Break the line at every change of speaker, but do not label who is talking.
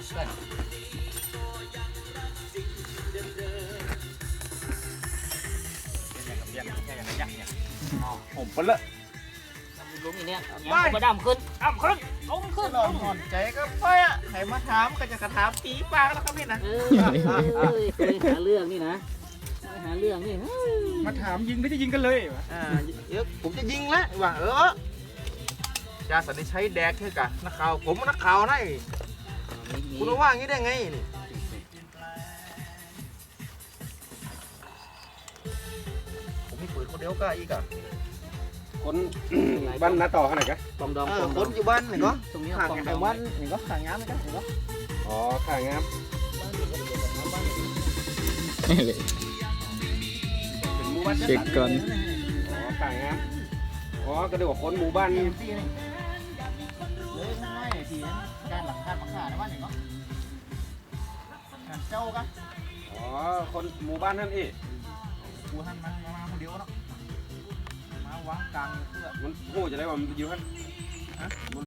กัน
ผมเปละ
ลุงอีเนี่ยยังมาดำขึ้นล้มขึ้น
นอนใจก็ไปอ่ะให้มาถามก็จะกระถามปีปากแล้วครับพี่นะ
เคยหาเรื่องนี่นะหาเรื่องนี่
มาถามยิงหรือจะยิงกันเลย
เดี๋ยวผมจะยิงแล้วว่าจ่าสันนิชัยแดกเท่ากะนักข่าวผมนักข่าวนะคุณว่าอย่างนี้ได้ไงนี่ผมมีปืนคนเดียวก็อีกอ่ะ
คนบ้านนาต่อขนาดกัน
ปอมดอง
คนอยู่บ้านนี่ก็
ตรงนี้
ห่าง
ปอม
กัน
ด
แต่
อง
วันนี่ก็ห่างงานกันนี่ก็
อ๋อข่างามเป็นหมู่บ้าน
เช็คก่อน
อ๋อข่างามอ๋อก็เดี๋ยวคนหมู่บ้านนี่
ปีนี่เลยง่ายทีนั้นการหลังการปักขาในบ้านนี่ก็การเจ้ากัน
อ๋อคนหมู่บ้านนั่นเอง
กูหันมาคนเดียวเนาะมาวางกลางเพื่อ
มันหู้จะได้ว่ามันอยู่ท่าน